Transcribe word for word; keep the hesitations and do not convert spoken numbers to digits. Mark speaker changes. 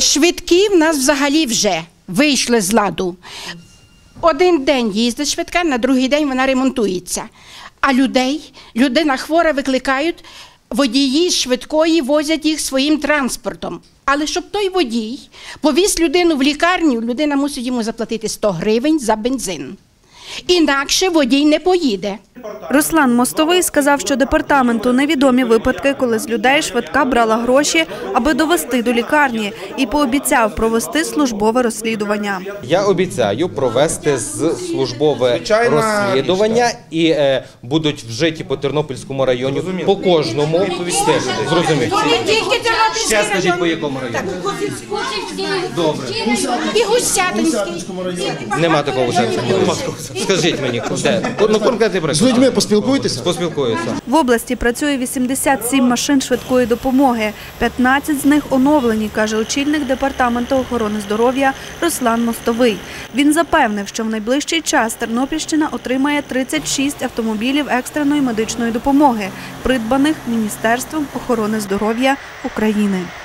Speaker 1: Швидкі в нас взагалі вже вийшли з ладу. Один день їздить швидка, на другий день вона ремонтується. А людей, людина хвора, викликають, водії швидкої возять їх своїм транспортом. Але щоб той водій повіз людину в лікарню, людина мусить йому заплатити сто гривень за бензин. Інакше водій не поїде.
Speaker 2: Руслан Мостовий сказав, що департаменту невідомі випадки, коли з людей швидка брала гроші, аби довести до лікарні, і пообіцяв провести службове розслідування.
Speaker 3: Я обіцяю провести службове розслідування і е, будуть вжиті по Тернопільському районі, по кожному. Зрозуміло. Ще скажіть, по якому районі? Добре.
Speaker 1: І Гусятинський.
Speaker 3: Нема такого Гусятинського. Скажіть мені, де? Ну, конкретний приклад.
Speaker 4: З людьми поспілкуйтеся?
Speaker 3: Поспілкуюся.
Speaker 2: В області працює вісімдесят сім машин швидкої допомоги. п'ятнадцять з них оновлені, каже очільник департаменту охорони здоров'я Руслан Мостовий. Він запевнив, що в найближчий час Тернопільщина отримає тридцять шість автомобілів екстреної медичної допомоги, придбаних Міністерством охорони здоров'я України.